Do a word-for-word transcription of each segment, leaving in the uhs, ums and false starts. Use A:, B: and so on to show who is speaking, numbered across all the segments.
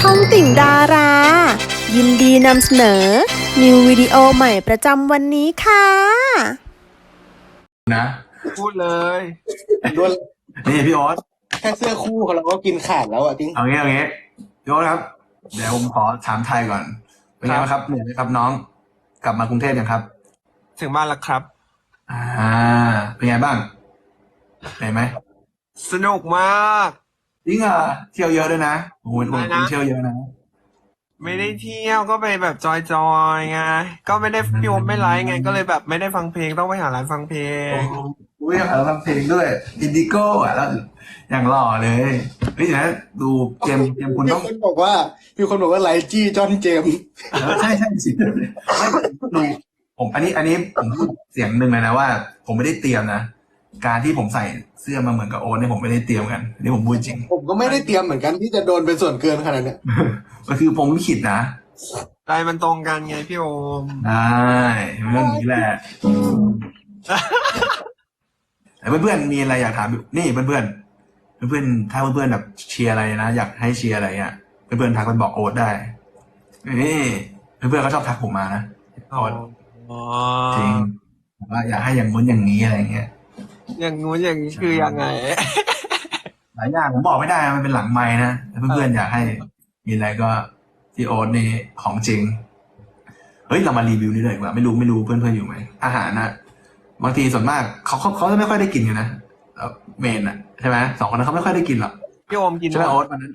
A: องติ่งดารา ยินดีนำเสนอ นิววิดีโอใหม่ประจำวันนี้ค่ะ
B: นะ
C: พูดเลย
D: ด้วย
B: นี่พี่โอ๊ต
D: แค่เสื้อคู่ของเราก็กินขาดแล้วอ่ะจริง
B: เอางี้เอางี้พี่โอ๊ตครับ เดี๋ยวผมขอถามไทยก่อน เป็นไงบ้างครับเหนื่อยไหมครับน้อง กลับมากรุงเทพยังครับ
C: ถึงบ้านแล้วครับ
B: อ่า เป็นไงบ้างเหนื่อยไหม
C: สนุกมาก
B: จริงเหรอเที่ยวเยอะด้วยนะโอ้โห
C: อะไรนะ
B: เที่ยวเยอะนะ
C: ไม่ได้เที่ยวก็ไปแบบจอยๆไงก็ไม่ได้พี่โอมไม่ไลฟ์ไงก็เลยแบบไม่ได้ฟังเพลงต้องไปหาร้านฟังเพลง
B: อุ้ยเราทำเพลงด้วยอินดิโก้อ่ะแล้วอย่างหล่อเลยเฮ้ยนะดูเกมเกมคุณ
D: มี
B: ต้อง
D: คนบอกว่ามีคนบอกว่าไลจี้จอห์นเจมส์
B: เออใช่ใช่สิไม่ดูผมอันนี้อันนี้ผมพูดเสียงหนึ่งเลยนะว่า ผมไม่ได้เตรียมนะการที่ผมใส่เสื้อมาเหมือนกับโอ๊ตเนี่ยผมไม่ได้เตรียมกันอันนี่ผมพูดจริง
D: ผมก็ไม่ได้เตรียมเหมือนกันที่จะโดนเป็นส่วนเกินขนาดเนี้ย
B: ก็คือผมลิขิตนะ
C: ใจมันตรงกันไงพี่โอม
B: ได้เรื่องนี้แหละแต่เพื่อนๆมีอะไรอยากถามนี่เพื่อนๆเพื่อนๆถ้าเพื่อนๆแบบเชียร์อะไรนะอยากให้เชียร์อะไรอ่ะเพื่อนๆทักไปบอกโอ๊ตได้นี่เพื่อนๆเขาชอบทักผมมานะโอ๊ต
C: อ๋อ
B: จริงว่าอยากให้อย่างนู้นอย่างนี้อะไรเงี้ย
C: อย่างงู้นอย่างนี้คือยังไง
B: หลายอย่างผมบอกไม่ได้นะมันเป็นหลังไม้นะแต่เพื่อนๆอยากให้มีอะไรก็ที่โอ๊ตนี่ของจริงเฮ้ยเรามารีวิวนี่เลยดีกว่าไม่รู้ไม่รู้เพื่อนๆอยู่ไหมอาหารนะบางทีส่วนมากเขาเขาเขาจะไม่ค่อยได้กินกันนะเอ่อเมนอ่ะใช่ไหมสองคนนั้นเขาไม่ค่อยได้กินหรอก
C: พี่โอมกิน
B: ใช่ไหมโอ๊ตวันนั้น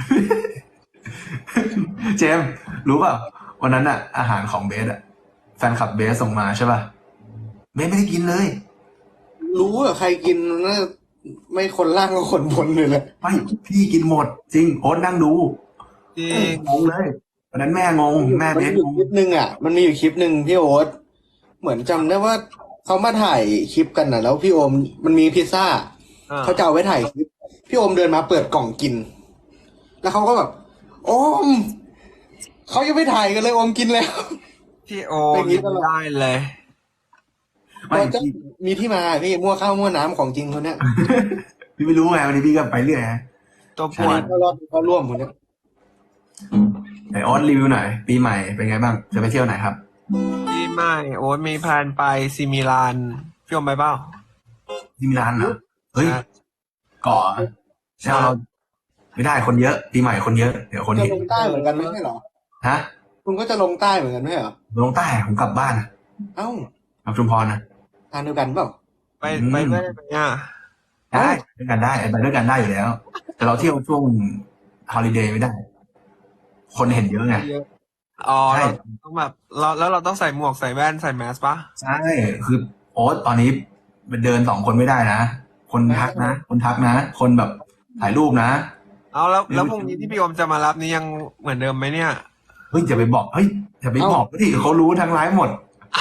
B: เจมส์รู้เปล่าวันนั้นอ่ะ อาหารของเบสอ่ะแฟนคลับเบสส่งมาใช่ป่ะเบสไม่ได้กินเลย
D: รู้ว่าใครกินน่าไม่คนล่างก็คนบนเลยแหละ
B: ไม่พี่กินหมด จริงโอ๊ตนั่งดู
C: จริง
B: งงเลยวันนั้นแม่งงแม่
D: มัน
B: เบส
D: มีอยู่
B: งง
D: คลิปหนึ่งอ่ะ มันมีอยู่คลิปหนึ่งพี่โอ๊ตเหมือนจำได้ว่าเขามาถ่ายคลิปกันน่ะ แล้วพี่โอมมันมีพิซซ่า
C: อ่า
D: เขาจะเอาไว้ถ่ายคลิปพี่โอมเดินมาเปิดกล่องกิน แล้วเขาก็แบบโอมเขายังไม่ถ่ายกันเลยโอมกินแล้ว
C: พี่โอ
D: เป็
C: ม
D: นอย่างนี้
C: กิน
D: ตลอด
C: ได้เลย
B: ไม่
D: ก็จะ
B: พี่
D: มีที่มาพี่มั่วข้าวมั่วน้ำของจริงคนเนี้ย
B: พี่ไม่รู้ไงวันนี้พี่ก็ไปเรื่อยฮะ
C: ตัวป
D: อัน
C: ว
D: นี้
C: ด
D: เขารอบเขาร่วมคนเนี้ย
B: ไหนโอ๊ตรีวิวหน่อยปีใหม่เป็นไงบ้างจะไปเที่ยวไหนครับ
C: พี่ไม่โอ๊ตมีแพลนไปซิมิลานพี่โอมไปเปล่า
B: ที่มิลานเหรอเฮ้ย
C: ใช่
B: เกาะใช่เราไม่ได้คนเยอะปีใหม่คนเยอะเดี๋ยวคน
D: จะ
B: เห็น
D: ลงใต้เหมือนกันไม่ใช่เหรอ
B: ฮะ
D: คุณก็จะลงใต้เหมือนกันไม่ใช่เหรอ
B: ลงใต้ผมกลับบ้านนะ
D: เอ้าก
B: ลับชุมพรนะ
D: ทานเดียวกันเปล่า
C: ไปไปด้วยไหมอ่ะ
B: ได้ด้วยกันได้ไปด้วยกันได้อยู่แล้ว แต่เราเที่ยวช่วงฮอลิเดย์ไม่ได้ คนเห็นเยอะไง
C: อ๋อ
B: ใช่
C: เราต้องแบบเราแล้วเราต้องใส่หมวกใส่แว่นใส่แมสปะ
B: ใช่คือโอ๊ตตอนนี้เดินสองคนไม่ได้นะคนทักนะคนทักนะคนแบบถ่ายรูปนะ
C: เอาแล้วแล้วพรุ่งนี้ที่พี่โอมจะมารับนี่ยังเหมือนเดิมไหมเนี่ย
B: เฮ้ยอย่าไปบอกเฮ้ยอย่าไปบอกดิเขารู้ทั้งไลฟ์หมด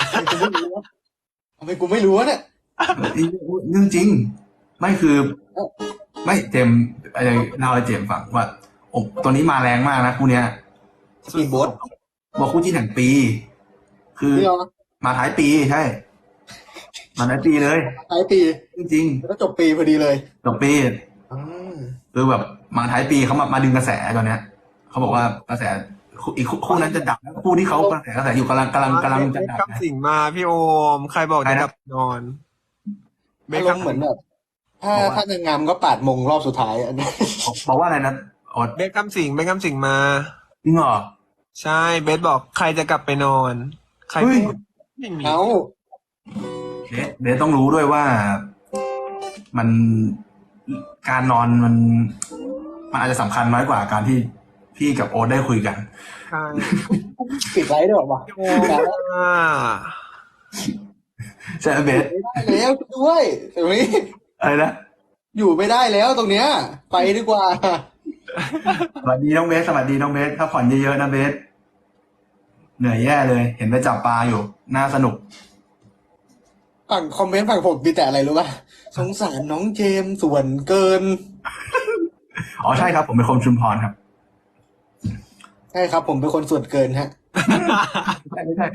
D: ทำไมกูไม่รู้วะเนี่ย
B: เรื่องจริง ไม่คือ ไม่เจมส์อะไรเล่าให้เจมส์ฟังว่าโอ้ตัวนี้มาแรงมากนะคู่เนี้ย
D: สปีดโบ๊ท
B: บอกคู่ที่แห่งปี คือ
D: นี่เหรอ
B: มาท้ายปีใช่ มาท้ายปีเลย
D: ท้ายปี
B: จริง
D: แล้วก็จบปีพอดีเลย
B: ๆจบปี
D: อ่า
B: คือแบบมาท้ายปีเขามามาดึงกระแสตอนเนี้ยเขาบอกว่ากระแสคู่อีกคู่คู่นั้นจะดับแล้วคู่ที่เขากระแสกระแสอยู่กำลังกำลังกำลังจะ
C: เบค
B: ดับ
C: คำสิงมาพี่โอม ใครบอกจะกลับนอนเบ
D: อา
C: ค
D: รมณ์เหมือนแบบถ้าถ้านางงามก็ปาดมงรอบสุดท้ายอันนี้
B: บอกบอกว่าอะไรนะอด
C: เบคคำสิงเบคคำสิงมา
B: จริงเหรอ
C: ใช่เบสบอกใครจะกลับไปนอน ใคร
B: เฮ้ย
C: พูดไม่มี
D: เอ้า
B: เดยวเดยวต้องรู้ด้วยว่ามันการนอนมัน มันอาจจะสำคัญน้อยกว่าการที่พี่กับโอ๊ตได้คุยกัน
C: ใช่
D: ปิดไลฟ์ด้วยวะ
C: พี่โอมอ่ะ
B: ใช่ไหมเบส
D: ไม่ได้แล้วด้วยตรงนี้
B: อะไรนะ
D: อยู่ไม่ได้แล้วตรงเนี้ย ไปดีกว่า
B: สวัสดีน้องเบสสวัสดีน้องเบสพักผ่อนเยอะๆนะเบสเหนื่อยแย่เลย เห็นไปจับปลาอยู่น่าสนุก
D: ฝั่งคอมเมนต์ฝั่งผมมีแต่อะไรรู้ป่ะสงสารน้องเจมส์ส่วนเกิน
B: อ๋อใช่ครับ ผมเป็นคนชุมพรครับ
D: ใช่ครับ ผมเป็นคนส่วนเกินฮะ
B: ไม่ใช่ไม่ใช่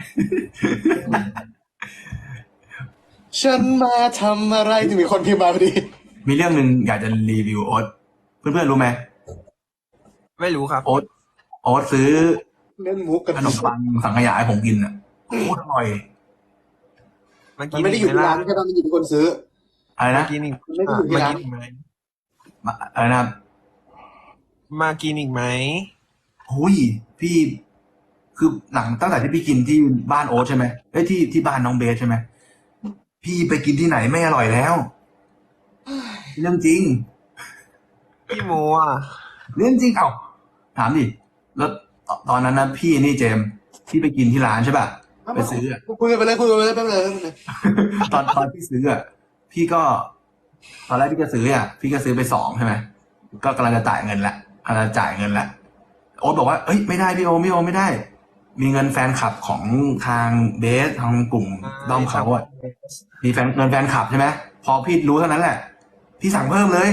D: ฉันมาทำอะไรถึงมีคนพิมพ์มาพอดี
B: มีเรื่องหนึ่งอยากจะรีวิวโอ๊ตเพื่อนๆรู้ไหม
C: ไม่รู้ครับ
B: โอ๊ตโอ๊ตซื้อ
D: เล่นมุกกัน
B: ขนมปังสังขยาให้ผมกินอ่ะโคตรอร่อย
C: มา
D: มั
C: กิ
D: น
C: น
D: ไม่ได้อยู่
C: อีก
D: ที่
C: ไหม
D: ร้า
C: ล่ะ
D: นแค่ตอนมันอยู่ที่คนซื้อ
B: อะไร
C: มา
B: นะ
C: กินอีก
D: มันไม่ได้อยู่ที่
C: มา
D: ร้าน
C: กินอีกไหม
B: มาอะไรนะครับ
C: มากินอีกไหม
B: หุยพี่คือหลังตั้งแต่ที่พี่กินที่บ้านโอ๊ตใช่ไหมเอ้ยที่ที่บ้านน้องเบสใช่ไหมพี่ไปกินที่ไหนไม่อร่อยแล้ว เรื่องจริง
C: พี่โมอ่ะ
B: เรื่องจริงเอ้าถามดิแล้วตตอนนั้นนะพี่นี่เจมส์พี่ไปกินที่ร้านใช่ป่ะไปซื้ออะ
D: คุยกันไปเลยคุยกันไปเลยแป๊บเลยแป๊บเลย
B: ตอนตอนพี่ซื้ออ่ะพี่ก็ ตอนแรกพี่ก็ซื้ออ่ะพี่ก็ซื้อไปสองใช่ไหมก็กำลังจะจ่ายเงินละกำลังจะจ่ายเงินละโอ๊ตบอกว่าเอ้ยไม่ได้พี่โอไม่โอไม่ได้ มีเงินแฟนคลับของทางเบสทางกลุ่มด้อมเขาอ่ะมีแฟนเงินแฟนคลับใช่ไหมพอพี่รู้เท่านั้นแหละ พี่สั่งเพิ่มเลย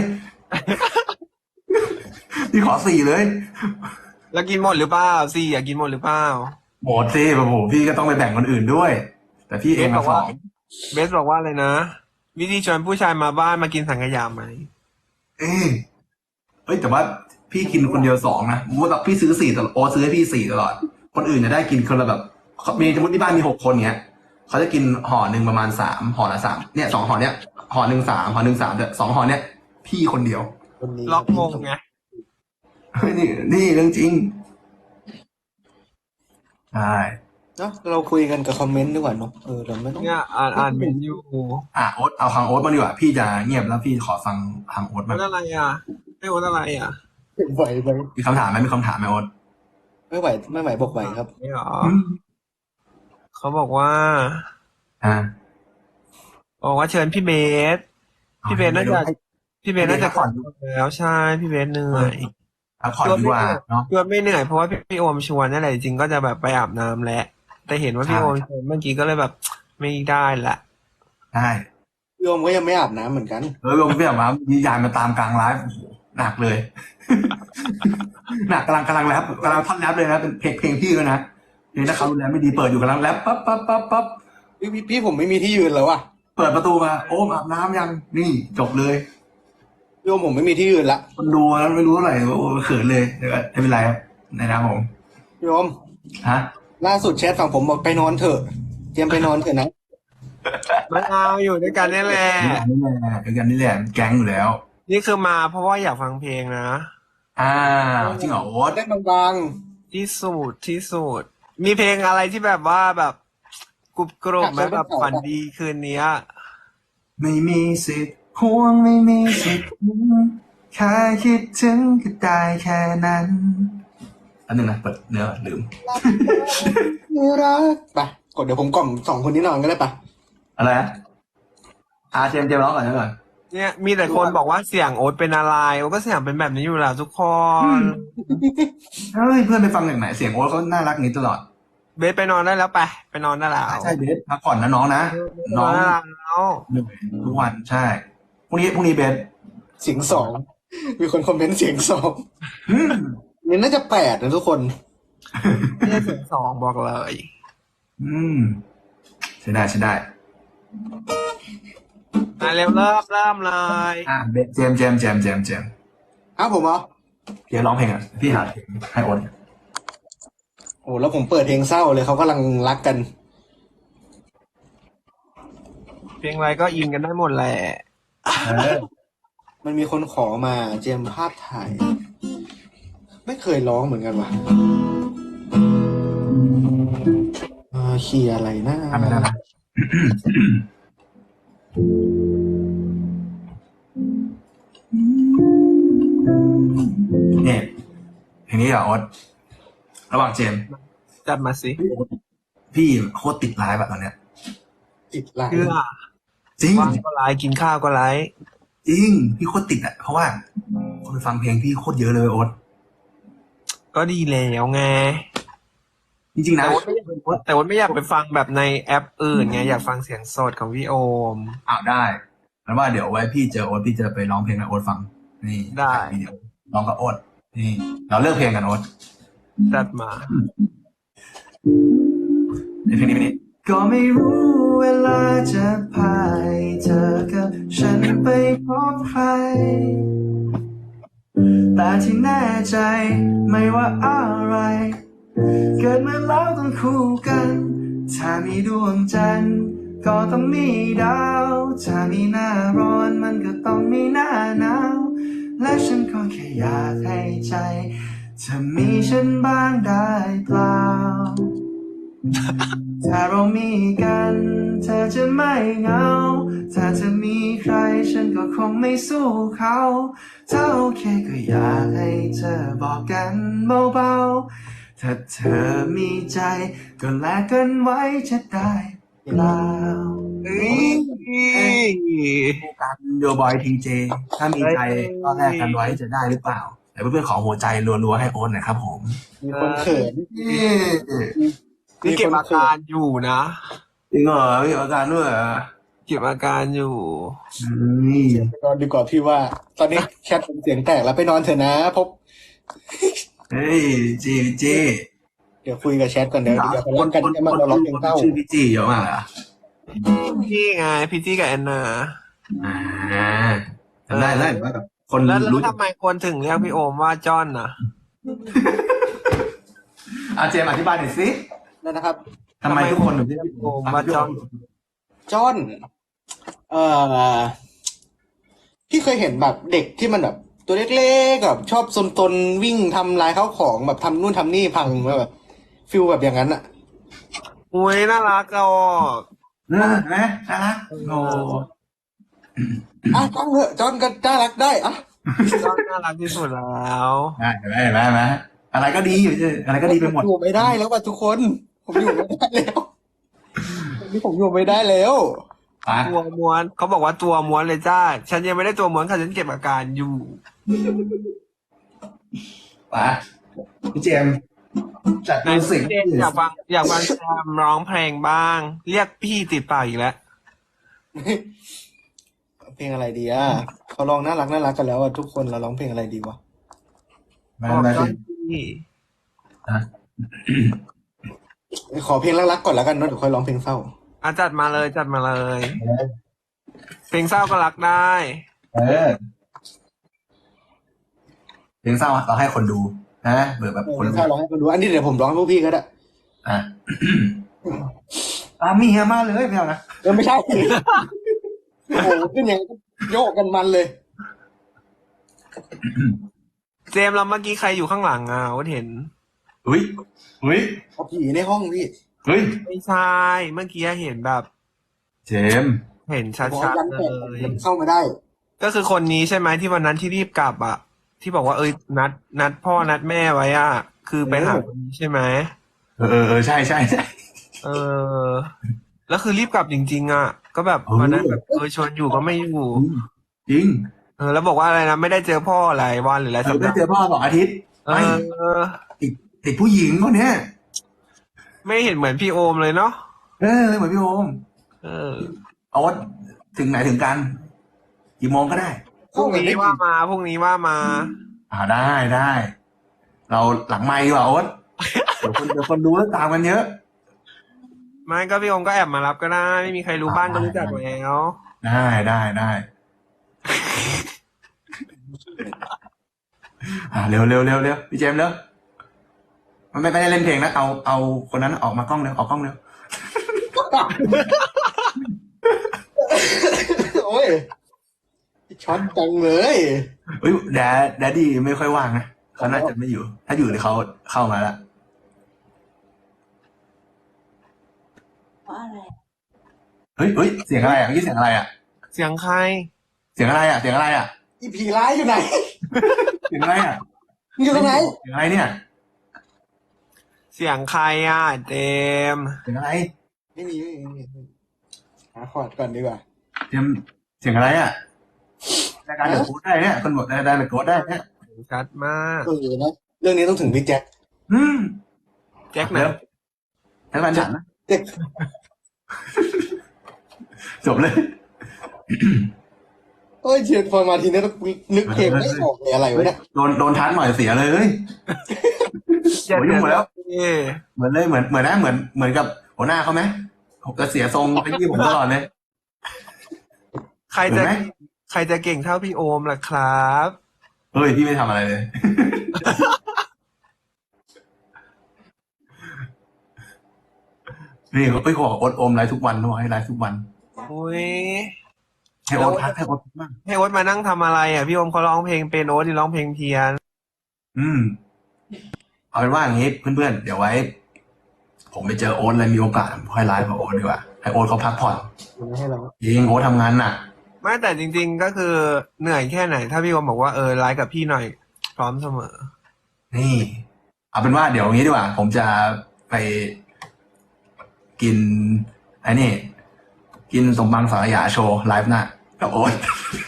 B: พี่ขอสี่เลย
C: แล้วกินหมดหรือเปล่าสี่อยากกินหมดหรือเปล่า
B: หมดสิโอ้โหพี่ก็ต้องไปแบ่งคนอื่นด้วย แต่พี่เอง
C: เบสบ
B: มา
C: อก
B: สอ
C: ว่า
B: ง
C: เบสบอกว่าอะไรนะ วิธีชวนผู้ชายมาบ้านมากินสังขยาไหม
B: เอ้ยเอ้ยแต่ว่าพี่กินคนเดียวสองนะว่าพี่ซื้อสี่ตลอดโอตซื้อให้พี่สี่ตลอด คนอื่นจะได้กินคนละแบบมีสมมติที่บ้านมีหกคนเนี้ยเขาจะกินห่อหนึ่งประมาณสามห่อละสามเนี่ยสองห่อเนี้ยห่อหนึ่งสามห่อหนึ่งสามแต่สองห่อเนี้ยพี่คนเดียว
D: คนนี้
C: ล็อกมงไง
B: เฮ้ยนี่นี่เรื่องจริงใช่
D: เนาะเราคุยกันกับคอมเมนต์ดีกว่าเนาะเออเราไม่ต้อง
C: เนี่ยอ่านอ่านเมนอยู่
B: อ่ะโอ๊ตเอาทางโอ๊ตมาดีกว่าพี่จะเงียบแล้วพี่ขอฟังทางโอ๊ต
C: โอ๊
B: มาง
C: ตอะไรอ่ะไม่โอ๊ตอะไรอ่ะ
D: ไหวไหม
B: มีคำถามไหมมีคำถามไหมโอ๊ต
D: ไม่ไหวไม่ไหวบอกไหวครับ
C: ไม่หรอ
B: อืม
C: เขาบอกว่า
B: อ่า
C: บอกว่าเชิญพี่เบส พี่เบสน่าจะพี่เบสน่าจะก่อนแล้วใช่พี่เบสเหนื่อย
B: พักผ่อนดีกว่าเนาะ
C: ชวนไม่เหนื่อยเพราะว่าพี่พี่โอมชวนนั่นแหละจริงๆก็จะแบบไปอาบน้ำแหละแต่เห็นว่าพี่
B: ใช่
C: โอมชวนเมื่อกี้ก็เลยแบบไม่ได้ละ
B: ใช่
D: พี่โอมก็ยังไม่อาบน้ำเหมือนกัน
B: เออลงพี่แบบว่ามียายมาตามกลางไลฟ์โอ้โหหนักเลย หนักกำลังกำลังแรปกำลังท่อนแรปเลยนะเป็นเพลงเพลงพี่ด้วยนะเพลงถ้าเขาดูแลไม่ดีเปิดอยู่กำลังแรปปั๊บปั๊บปั๊บปั๊บ
D: พี่พี่พี่ผมไม่มีที่ยืนแล้วอ่ะ
B: เปิดประตูมาโอ้อาบน้ำยังนี่จบเลย
D: พี่โอมผมไม่มีที่ยืนละ
B: คนดูแล้วไม่รู้เท่าไหร่โอ้เขินเลยเดี๋ยวก็ไม่เป็นไรครับในนะครับผม
D: พี่โอม
B: ฮะ
D: ล่าสุดแชทฝั่งผมบอกไปนอนเถอะเตรียมไปนอนเถอะนะ
C: ไม่เอาอยู่ด้วยกันนี่แหละ
B: นี่แหละเดียวกันนี่แหละแก๊งอยู่แล้ว
C: นี่คือมาเพราะว่าอยากฟังเพลงนะ
B: อ้าวจริงเหรอโอ๊ต
D: ได้บาง
C: ที่สุดที่สุด มีเพลงอะไรที่แบบว่าแบบกรุบกรอบไหมแบบฝันดีคืนเนี้ย
B: ไม่มีสิทธิ์ห่วงไม่มีสิทธิ์หวงแค่คิดถึงก็ได้แค่นั้นอันหนึ่งนะเปิดเนื้อลืม
D: ๆนี่รักไปกดเดี๋ยวผมกล่อมสองคนนี้นอนก็ได้ปะ
B: อะไรนะอาเจมส์เจมส์ร้องก่อนนะก่อน
C: เนี่ยมีแต่คนบอกว่าเสียงโอ๊ตเป็นอะไรโอ๊ตก็เสียงเป็นแบบนี้อยู่แล้วทุกคน
B: เฮ้ยเพื่อนไปฟังจากไหนเสียงโอ๊ตเขาน่ารักอย่างนี้ตลอด
C: เบสไปนอนได้แล้วไปไปนอนได้แล้ว
B: ใช่เบสพักผ่อนนะน้องนะ
C: น
B: น้
C: อ
B: อน ง
C: ได้แล้ว
B: เหนื่อยทุกวันใช่พรุ่งนี้พรุ่งนี้เบส
D: เสียงสองมีคนคอมเมนต์เสียงสอง
B: อืม
D: นี่น่าจะแปดนะทุกคน
C: ไม่ใช่เสียงสองบอกเลย
B: อืมใช่ได้ใช่ได้
C: มาเร็วเริ่มเริ่มเลย
B: อ่ะเบสเจมส์เจมส์เจมส์เจมส์เจมส์
D: อ้าวผมเหรอ
B: เดี๋ยวร้องเพลงอ่ะพี่หาเพลงให้โอ๊ต
D: โอ้แล้วผมเปิดเพลงเศร้าเลยเขากำลังรักกัน
C: เพลงอะไรก็อินกันได้หมดแหละ
B: เออ
D: มันมีคนขอมาเจมส์ภาพถ่าย ไม่เคยร้องเหมือนกันว่ะเอ่อคีย์อะไรนะ
B: ทำไม่ได้นะเนี่ยเพลงนี้เหรอโอ๊ตระหว่างเจมส์
C: จัดมาสิ
B: พี่โคตรติดไลฟ์แบบตอนเนี้ย
D: ติดลาย
C: เพื่อ
B: จริง
C: ว่างก็ไลฟ์กินข้าวก็ไลฟ์
B: จริงพี่โคตรติดอ่ะเพราะว่าคนไปฟังเพลงพี่โคตรเยอะเลยโอ๊ต
C: ก็ดีแล้วไง
B: จริงๆนะ
C: แต่ว่าไม่อยากไปแต่ว่าไม่อยากไปฟังแบบในแอปอื่นไงอยากฟังเสียงสดของพี่โอม
B: อ้าวได้แล้วว่าเดี๋ยวไว้พี่เจอโอ๊ตพี่จะไปร้องเพลงให้โอ๊ตฟังนี่
C: ได้
B: ถ่ายวิดีโอร้องกับโอ๊ตนี่เราเลือกเพลงกันโอ๊ต
C: จัดมา
B: ในเพลงนี้ไหมนี่ก็ไม่รู้เวลาจะพาให้เธอกับฉันไปพบใครแต่ที่แน่ใจไม่ว่าอะไร เกิดมาแล้วต้องคู่กัน ถ้ามีดวงจันทร์ก็ต้องมีดาว ถ้ามีหน้าร้อนมันก็ต้องมีหน้าหนาว และฉันก็แค่อยากให้ใจเธอมีฉันบ้างได้เปล่า ถ้าเรามีกันเธอจะไม่เหงา ถ้าเธอมีใครฉันก็คงไม่สู้เขาถ้าโอเคก็อยากให้เธอบอกกันเบาๆ ถ้าเธอมีใจก็แลกกันไว้จะได้เปล่า
C: เฮ้ย
B: กันโยบอยทีเจถ้ามีใจก็แลกกันไว้จะได้หรือเปล่าแต่เพื่อนๆขอหัวใจรัวๆให้โอนหน่อยครับผม
D: มีคนเขิน
C: นี่เก็บอาการอยู่นะ
B: จริงเหรอมีอาการด้วยเหรอ
C: เก็บอาการอยู่
B: นี่
D: ไปนอนดีกว่าพี่ว่า ตอนนี้แชทผมเสียงแตกแล้วไปนอนเถอะนะพบ
B: เฮ้ยจีจี
D: เดี๋ยวคุยกับแชทก่อนเดี๋ยวเดี๋ยวเขารักกันจะมาเราร้องเพลงเศร้า
B: ชื่อพี่จีเยอะมากเหรอ
C: พี่ไงพี่จี้กับแอนนา
B: อ่าได้ได้ว่ากับคน
C: แล้วแล้ว
B: รู้
C: ทำไมคนถึงเรียกพี่โอมว่าจอนน่ะ
B: อาเจมส์อธิบายหน่อยสิ
D: นั่นนะครับ
B: ทำไมทุกคนถึงเรียกพี่
C: โอมว่าจอน
D: จอนเอ่อพี่เคยเห็นแบบเด็กที่มันแบบ ตัวเล็กๆแบบชอบซนๆวิ่งทำลายข้าวของแบบทำนู่นทำนี่พังแบบฟิลแบบอย่างนั้นอะ
C: อุ้ยน่ารักอ่ะ
B: น่าไหมน่ารักโอ้
D: อ่ะจอนเถอะจอนก็น่ารักได้อะ
C: จอนน่ารักที่สุดแล้ว
B: ได้เห็นไหมเห็นไหมเห็นไหมอะไรก็ดีอยู่อะไรก็ดีไปหมด
D: อยู่ไม่ได้แล้วว่ะทุกคน ผมอยู่ไม่ได้แล้ววันนี้ผมอยู่ไม่ได้แล้ว
B: ไป
C: ตัวม้วนเขาบอกว่าตัวม้วนเลยจ้า ฉันยังไม่ได้ตัวม้วนค่ะฉันเก็บอาการอยู่
B: ไปพี่เจมส์จัด
C: ใน
B: มิวสิก
C: เจนอยากฟังอยากฟังแซมร้องเพลงบ้าง เรียกพี่ติดปากอีกแล้ว
D: เพลงอะไรดีอ่ะเขาร้องน่ารักน่ารักกันแล้วอ่ะทุกคนเราร้องเพลงอะไรดีวะ
B: มา
C: บอก
B: มา
C: จอ
B: สิ
C: นพี่
B: อ่ะ
D: ขอเพลงรักๆก่อนแล้วกันเนอะเดี๋ยวค่อยร้องเพลงเศร้า
C: อ่ะจัดมาเลยจัดมาเลย เพลงเศร้าก็รักได้
B: เออเพลงเศร้าเราให้คนดูนะเบื่อแบบ
D: เพ
B: คน
D: ลงเศร้าร้องให้คนดูอันนี้เดี๋ยวผมร้องให้พวกพี่ก็ได้
B: อ่ะ ตามเมียมาเลยไม่เอานะ
D: เออไม่ใช่ โอ้โหขึ้นอย่างนี้ก็โยกกันมันเลย
C: เจมส์เราเมื่อกี้ใครอยู่ข้างหลังอ่ะว่าเห็น
B: อุ้ยอุ้ย
D: เอาผีในห้องพี่
B: เฮ้ย
C: ไม่ใช่เมื่อกี้เห็นแบบ
B: เจมส์
C: เห็นชั
D: ผม
C: ด
D: ยัน
C: ๆเล
D: แปด
C: ย
D: เข้ามาได้
C: ก็คือคนนี้ใช่ไหมที่วันนั้นที่รีบกลับอ่ะ ที่บอกว่าเอ้ยนัด นัดพ่อนัดแม่ไว้อ่ะ คือไปหาคนนี้ใช่ไหม
B: เออเออเออใช่ใช่ใช่
C: เออ แล้วคือรีบกลับจริง ๆ อ่ะ ก็แบบ
B: เออ
C: วันนั้นแบบเออชวนอยู่ก็ไม่อยู่
B: จริง
C: เออ แล้วบอกว่าอะไรนะไม่ได้เจอพ่อหลายวันหรือหลาย
B: เอ
C: สั
B: อ
C: ป
B: ได้
C: ดาห์
B: เจอพ่อสองอาทิตย์
C: เอ
B: ไม่
C: อ
B: ติดติดผู้หญิงคนเนี้ย
C: ไม่เห็นเหมือนพี่โอมเลยเนาะ
B: เออเหมือนพี่โอม
C: เออ
B: เอาว่าถึงไหนถึงกันกี่โมงก็ได้
C: พรุ่งนี้ว่ามาพรุ่งนี้ว่ามา
B: อ่าได้ได้ เราหลังไมค์ดีกว่าโอ๊ตเดี๋ยวคนเดี๋ยวคนดูแล้วตามกันเยอะ
C: ไม่ก็พี่โอมก็แอบมารับก็ได้ ไม่มีใครรู้บ้านก็รู้จักแล้ว
B: ได้ได้ได้อ่าเร็วเร็วเร็วเร็วพี่เจมส์เร็วมันไม่ไม่ได้เล่นเพลงนะเอาเอาคนนั้นออกมากล้องเร็วออกกล้องเร็ว
D: โอ้ยช็อตจังเลย
B: เฮ้ยแดดแดดดี้ไม่ค่อยว่างนะเขาน่าจะไม่อยู่ ถ้าอยู่เดี๋ยวเขาเข้ามาแล้ว
E: เพราะอะไร
B: เฮ้ยเฮ้ยเสียงอะไรอ่ะเมื่อกี้เสียงอะไรอ่ะ
C: เสียงใคร
B: เสียงอะไรอ่ะเสียงอะไรอ่ะ
D: อีผีร้ายอยู่ไหน
B: เสียงอะไรอ่ะ
D: มึงอยู่ตรงไหน
B: เสียงอะไรเนี่ย
C: เสียงใครอ่ะเจมส์
B: เสียงอะไร
D: ไม่มีไม่มีไม่มีหาคอร์ดก่อนดีกว่า
B: เจมส์เสียงอะไรอ่ะรายการเดอะโค้ดได้เนี่ยคนบอกรายการเดอะโค้ดได้เนี่ย
C: ชัดมาก
D: เออนะเรื่องนี้ต้องถึงพี่แจ็ค
B: อืม
C: แจ็คไหน
B: เดี๋ยวให้มันฉันนะ
D: แจ็ค
B: จบเลย
D: เอ้ยเชียร์พอมาทีนี้ต้องนึกเพลงไม่ออกเลยอะไรวะเนี่ย
B: โดนโดนทันหน่อยเสียเลยเฮ้ย โอ้ยยุ่งหมดแล้ว
C: เอ้ย
B: เหมือนเลยเหมือนเหมือนนะเหมือนเหมือนกับหัวหน้าเขาไหมผมจะเสียทรงไปยี่ผมตลอดเลย
C: ใครจะ
B: เห็นไหม
C: ใครจะเก่งเท่าพี่โอมล่ะครับ
B: เฮ้ยพี่ไม่ทำอะไรเลย นี่เอ้ยเขาบอกโอ๊ตโอมไลฟ์ทุกวันเขาบอกให้ไลฟ์ทุกวัน
C: อุ้ย
B: ให้โอ๊ตพักให้โอ๊ตพักบ้าง
C: ให้โอ๊ตมานั่งทำอะไรอ่ะพี่โอมเขาร้องเพลงเป็นโอ๊ตที่ร้องเพลงเพี้ยน
B: อืม เอาเป็นว่าอย่างนี้เพื่อนๆเดี๋ยวไว้ ผมไปเจอโอ๊ตเลยมีโอกาสค่อยไลฟ์กับโอ๊ตดีกว่าให้โอ๊ตเขาพักผ่อน
D: ไม่ให้เรา
B: จริงโอ๊ตทำงานหนัก
C: ไม่แต่จริง ๆ ก็คือเหนื่อยแค่ไหน ถ้าพี่โอมบอกว่าเออไลฟ์กับพี่หน่อยพร้อมเสมอ
B: นี่ เอาเป็นว่าเดี๋ยวงี้ดีกว่า ผมจะไปกินไอ้นี่ กินสมบังสังขยาโชว์ไลฟ์หน้ากับโอ๊ต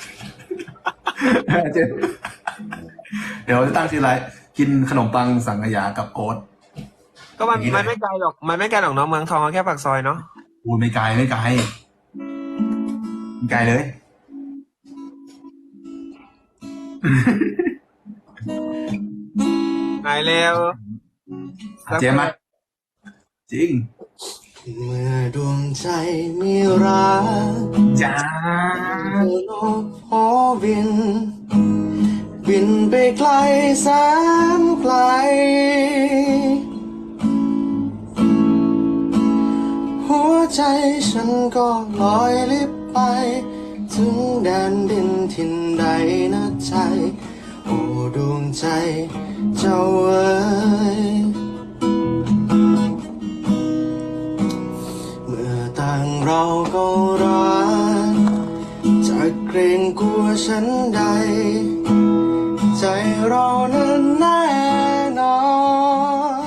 B: เดี๋ยวจะตั้งชื่อไลฟ์กินขนมปังสังขยากับโอ๊ต
C: ก็มัน
B: อย่างนี้เลย
C: มันไม่ไกลหรอกมันไม่ไกลหรอกเน้องเมืองทองแค่ปากซอยเนาะ
B: อูไม่ไกลไม่ไกลไม่ไกลเลย
C: ไหนเร็ว
B: เจมส์มาจริง
D: เมื่อดวงใจมีรัก
B: จ้า
D: เธอโลกหอบิน บินไปไกลแสนไกล หัวใจฉันก็ลอยลิบไป ถึงแดนดินทินใดนะใจ โอ้ดวงใจเจ้าเอ๋ยเมื่อต่างเราก็รักจะเกรงกลัวฉันใด ใจเรานั้นแน่นอน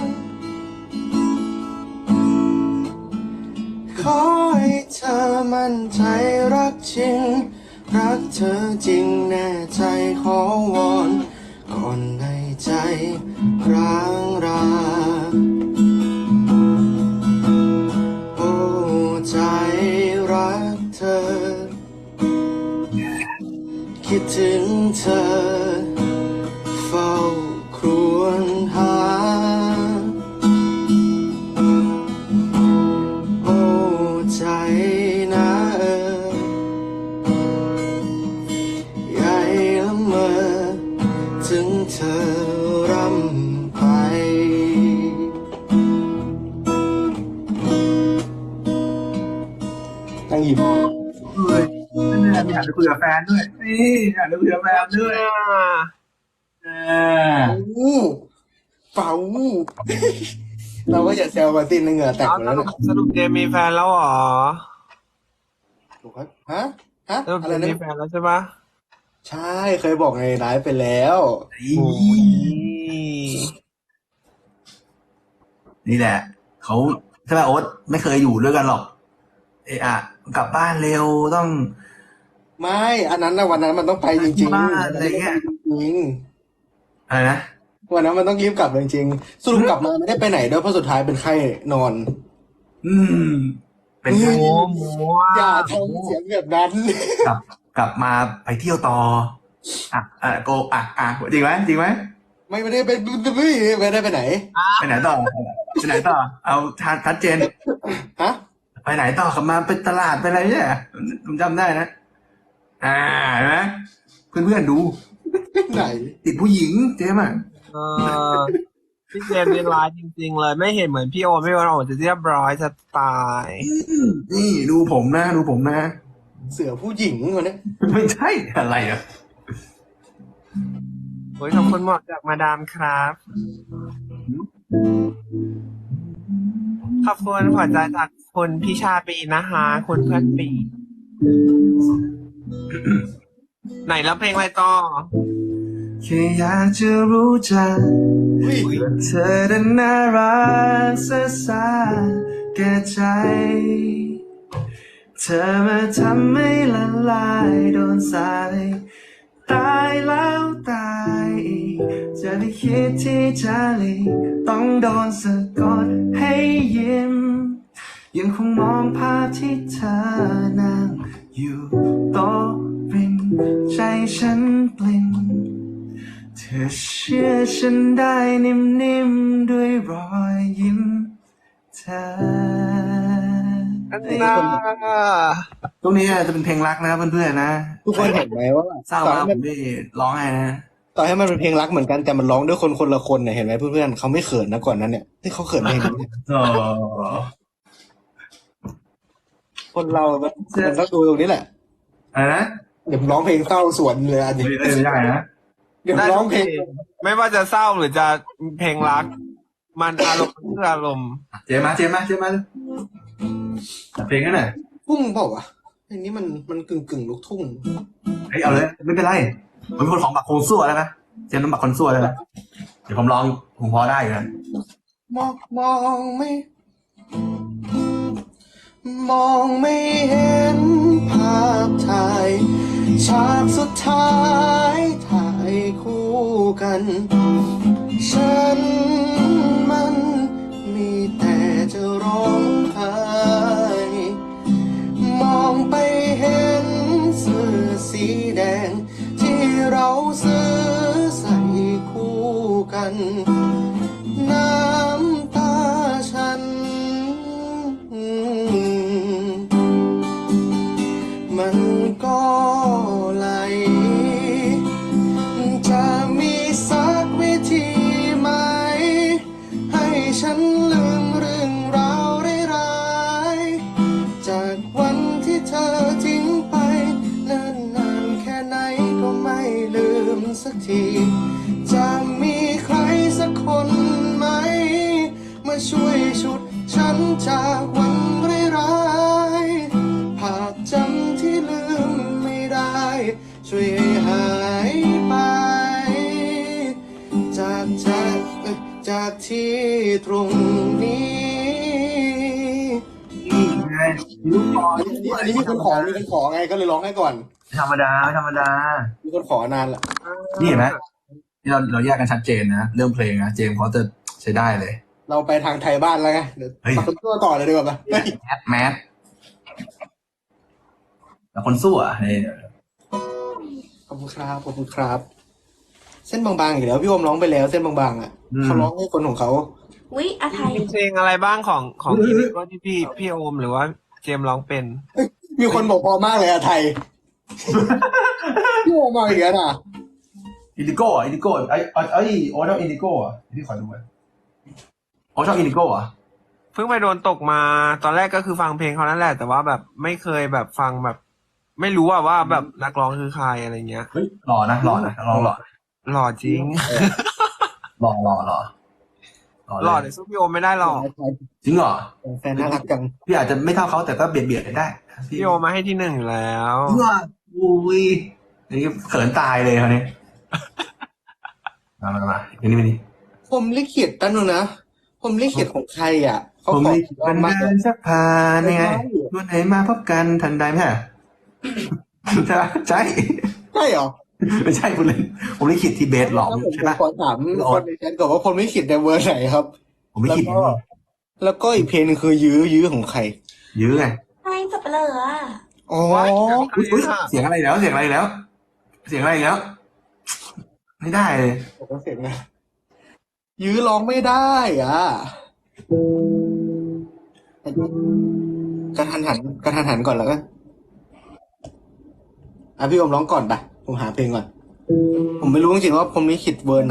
D: ขอให้เธอมั่นใจรักจริง รักเธอจริงแน่ใจขอวอนก่อนในใจร้างรา โอ้ใจรักเธอ คิดถึงเธอ เฝ้าครวญหา โอ้ใจนะเออใหญ่ละเมอถึงเธอรำไป ตั้งหยิบ
B: เฮ้ยนี่อยากจะคุยกับแฟนด้วย นี่อยากจะคุยกับแฟนด้วยอ่า
D: อู้เป่าเราก็อย่าแซวมาตินเหงื่อแตก
C: เอา
D: หมด
C: ส
D: แล้ว
C: รุป
D: นะ
C: สรุปเจมมีแฟนแล้วเหรอ
D: ถูกครับฮะ ฮะ
C: สรุป
D: อะ
C: เจ
D: ไร
C: ม
D: นะ
C: มีแฟนแล้วใช่ปะ
D: ใช่เคยบอกในไลฟ์ไปแล้ว
C: โอ้ย
B: นี่แหละ เขาใช่ไหมโอ๊ตไม่เคยอยู่ด้วยกันหรอก เอะอะกลับบ้านเร็วต้อง
D: ไม่ อันนั้นนะวันนั้นมันต้องไปจริง
B: ที่
D: ๆ
B: บ้านอะไรเงี้ย
D: จริง
B: อะไรนะ
D: ๆวันนั้นมันต้องรีบกลับจริงๆสรุปกลับมาไม่ได้ไปไหนด้วยเพราะสุดท้ายเป็นไข้นอน
B: อืม เป็นไง
C: โอ้โห
D: อย่าทำเสียงแบบนั้น
B: กลับกลับมาไปเที่ยวต่อ อ่ะอ่ะโกอ่ะอ่ะจริงไหมจริงไหม
D: ไม่ไม่ได้ไปไม่ไม่ได้ไปไหน
B: ไปไหนต่อไปไหนต่อ เอาชัดชัดเจน
D: ฮะ
B: ไปไหนต่อกลับมาไปตลาดไปอะไรเนี่ยผมจำได้นะ อ่าเห็นไหมเพื่อนเพื่อนๆดู
D: ไหน
B: ติดผู้หญิงเจ๊อ่ะ
C: เออพี่เจมส์นี่ร้ายจริง ๆ เลยไม่เห็นเหมือนพี่โอมพี่โอมโอ้จะเรียบร้อยจะตาย
B: นี่ดูผมนะ ดูผมนะ
D: เสือผู้หญิงวันนี้
B: ไม่ใช่อะไรอ่ะ
C: โอ้ยขอบคุณหมอกจากมาดามครับขอบคุณหัวใจจากคุณพี่ชาปีนะคะคุณเพื่อนปี ไหนแล้วเพลงอะไรต่อ
B: แค่อยากจะรู้จัก
D: อุ้ย
B: ว่าเธอนั้นน่ารักซะสาแก่ใจ เธอมาทำให้ละลายโดนสายตายแล้วตายอีกจะได้คิดที่จะหลีกต้องโดนสะกดให้ยิ้ม ยังคงมองภาพที่เธอนั่งอยู่โต๊ะริมใจฉันปลิ่นเธอเชื่อฉันได้นิ่มๆด้วยรอยยิ้มเธอ
C: อันน่า
B: ตรงนี้จะเป็นเพลงรักนะเพื่อนๆนะ
D: ทุกคนเห็นไหมว่า
B: เศร้า
D: ตอน
B: มา
D: นั้น
B: ผ
D: มัน
B: มได้ร้องไห้นะ
D: ต่อให้มันเป็นเพลงรักเหมือนกันแต่มันร้องด้วยคนคนละคนเนี่ยเห็นไหมเพื่อนๆเขาไม่เขินนะก่อนนั้นเนี่ยที่เขาเขินเพลงนี้
B: อ๋อ
D: คนเรามันมันต้องดูตรงนี้แหละ
B: อะไรนะ
D: เดี๋ยวร้องเพลงเศร้าสวนเลยอันนี้
B: ไม่ได้ไม่ได้นะ
D: เดี๋ยว
C: ได้
D: ร้อ
C: ทุ
D: ง
C: ก
D: เพลง
C: ไม่ว่าจะเศร้าหรือจะเพลงรัก มันอารมณ์คืออารมณ์
B: เจมมาเจมมาเจมมาจัดเพลงกันหน่อย
D: ทุ่งเปล่าวะเพลงนี้มันมันกึ่งกึ่งลูกทุ่ง
B: เฮ้ยเอาเลยไม่เป็นไรมันเป็นคนของบักโคนซั่วแล้วนะเจมน้ำบักคนซั่วแล้วนะเดี๋ยวผมลองผมพอได้อยู่นะ
D: มองมองไม่ มองไม่เห็นภาพถ่ายฉากสุดท้ายถ่ายคู่กัน ฉันมันมีแต่จะร้องไห้มองไปเห็นเสื้อสีแดง ที่เราซื้อใส่คู่กัน น้ำตาฉัน มันก็ไหล จะมีสักวิธีไหม ให้ฉันลืมเรื่องราวร้ายๆจากวันที่เธอทิ้งไปเนิ่นนานแค่ไหนก็ไม่ลืมสักที จะมีใครสักคนไหม มาช่วยฉุดฉันจากวันร้ายๆภาพจำที่ลืมไม่ได้ ช่วยให้หายไป จากจากจากที่ตรงนี้
B: นี่ไงลูกคอ
D: อันนี้อันนี้มีคนขอมีคนขอไงก็เลยร้องให้ก่อน
B: ไม่ธรรมดาไม่ธรรมดา
D: มีคนขอนานละ
B: นี่เห็นไหมที่เราเราแยกกันชัดเจนนะเรื่องเพลงนะเจมส์เขาจะใช้ได้เลย
D: เราไปทางไทยบ้านแล้วไงเดี๋ยว
B: เฮ้ย
D: มาคนตัวต่อเลยดีกว่าไหมเฮ้ย
B: แมสแมสแต่คนสู้อ่ะนี่
D: ขอบคุณครับขอบคุณครับ เส้นบางๆอีกแล้วพี่โอมร้องไปแล้วเส้นบางๆอ่ะเขาร้องให้คนของเขา
E: วิอาไทย
C: มีเพลงอะไรบ้างของของพี่ว่าที่พี่พี่โอมหรือว่าเจมส์ร้องเป็น
D: มีคนบอกพอมากเลยอะไทย พี่โอมมาอีกแล้วนะ
B: อินดิโก้อ่ะอินดิโก้ไอ้ไอ้ไอ้โอ้ชอบอินดิโก้อ่ะพี่ขอดูไว้โอ้ชอบอินดิโก้อ่ะ
C: เพิ่งไปโดนตกมา ตอนแรกก็คือฟังเพลงเขานั่นแหละ แต่ว่าแบบไม่เคยแบบฟังแบบ ไม่รู้อะว่าแบบนักร้องคือใครอะไรเงี้ย
B: เฮ้ยหล่อนะหล่อนะหล่อหล่อ
C: หล่อจริง
B: หล่อหล่อหล่อ
C: หล่อแต่สู้พี่โอมไม่ได้หรอก
B: จริงเหรอ
D: แฟนน่ารักจัง
B: พี่อาจจะไม่เท่าเขาแต่ก็เบียดเบียดกันได้
C: พี่โอมมาให้ที่หนึ่งอยู่แล้ว
B: เพื่ออุ้ยนี่เขินตายเลยคราวนี้มามามาอันนี้มาดิ
D: ผมลิขิตตั้งนึงนะ ผมลิขิตของใครอ่ะเขา
B: ผม
D: ขอ
B: ลิขิตบัน
D: มา
B: ดาลสักพานนี่ไงวันไหนมาพบกันทันใดไหมฮะใช่ใช่
D: ใช่เหรอ
B: ไม่ใช่คุณเล่นผมลิขิตที่เบสหลอก
D: ผม
B: ใช่ปะ
D: ขอถามคนในแชทก่อนว่าคนลิขิตในเวอร์ไหนครับ
B: ผมลิขิต
D: แล้วก็ แล้วก็อีกเพลงหนึงคือยื้อยื้อของใคร
B: ยื้อไง
E: ไทยสับเปลืออะ
D: อ๋อ
B: อุ๊ยอุ๊ยเสียงอะไรแล้วเสียงอะไรแล้ว เสียงอะไรแล้ว ไม่ได้เลย
D: ผมก็เสียงนะยื้อร้องไม่ได้อ่ะกระทันหันกระทันหันก่อนแล้วกันอ่ะพี่โอมร้องก่อนปะผมหาเพลงก่อน ผมไม่รู้จริงๆว่าผมลิขิตเวอร์ไหน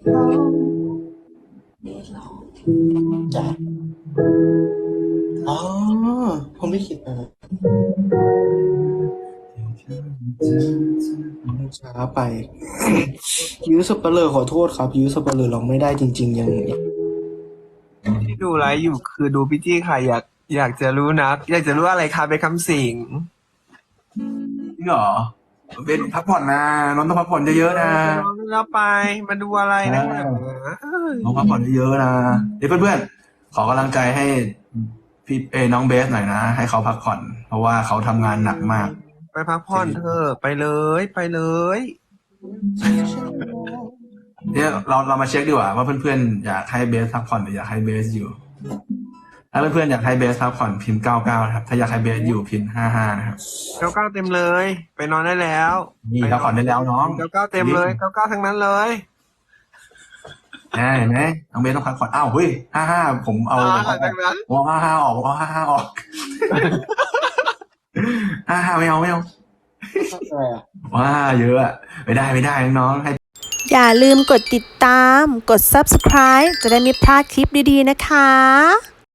E: เดทหรอ
D: จ้ะอ๋อผมลิขิตนะช้าไป ยื้อสเปเลอร์ขอโทษครับ ยื้อสเปเลอร์ร้องไม่ได้จริง ๆ ยัง
C: ที่ดูไลฟ์อยู่คือดูพี่จี้ค่ะอยากอยากจะรู้นะ อยากจะรู้อะไรคะเป็นคำสิง
B: จริงเหรอเบสพักผ่อนนะน้องต้องพักผ่อนเยอะๆนะ
C: น้องแล้วไปมาดูอะไรนะ
B: น้องพักผ่อนเยอะๆนะเดี๋ยวเพื่อนๆขอกำลังใจให้พี่เอน้องเบสหน่อยนะให้เขาพักผ่อน เพราะว่าเขาทำงานหนักมาก
C: ไปพักผ่อนเถอะไปเลยไปเลย
B: เนี่ยเราเรามาเช็คดีกว่าว่าเพื่อนๆอยากให้เบสพักผ่อนหรืออยากให้เบสอยู่ ถ้าเพื่อนๆอยากให้เบสพักผ่อนพิมพ์เก้าเก้านะครับถ้าอยากให้เบสอยู่พิมพ์ห้าห้านะครับ
C: เก้าเก้าเต็มเลย ไปนอนได้แล้ว
B: นี่พักผ่อนได้แล้วน้อง
C: เก้าเก้าเต็มเลยเก้าเก้าทั้งนั้นเลย
B: แน่เห็นไหมน้องเบสต้องพักผ่อนอ้าวเฮ้ยห้าห้าผมเอา
C: อ่าจากนั้น
B: ผมเอาห้าห้าออกผมเอาห้าห้าออก ห้าห้าไม่เอาไม่เอา
D: อะไรอ่ะ
B: ว้าเยอะอะไม่ได้ไม่ได้น้องๆให้
A: อย่าลืมกดติดตาม กด ซับสไครบ์ จะได้ไม่พลาดคลิปดีๆนะคะ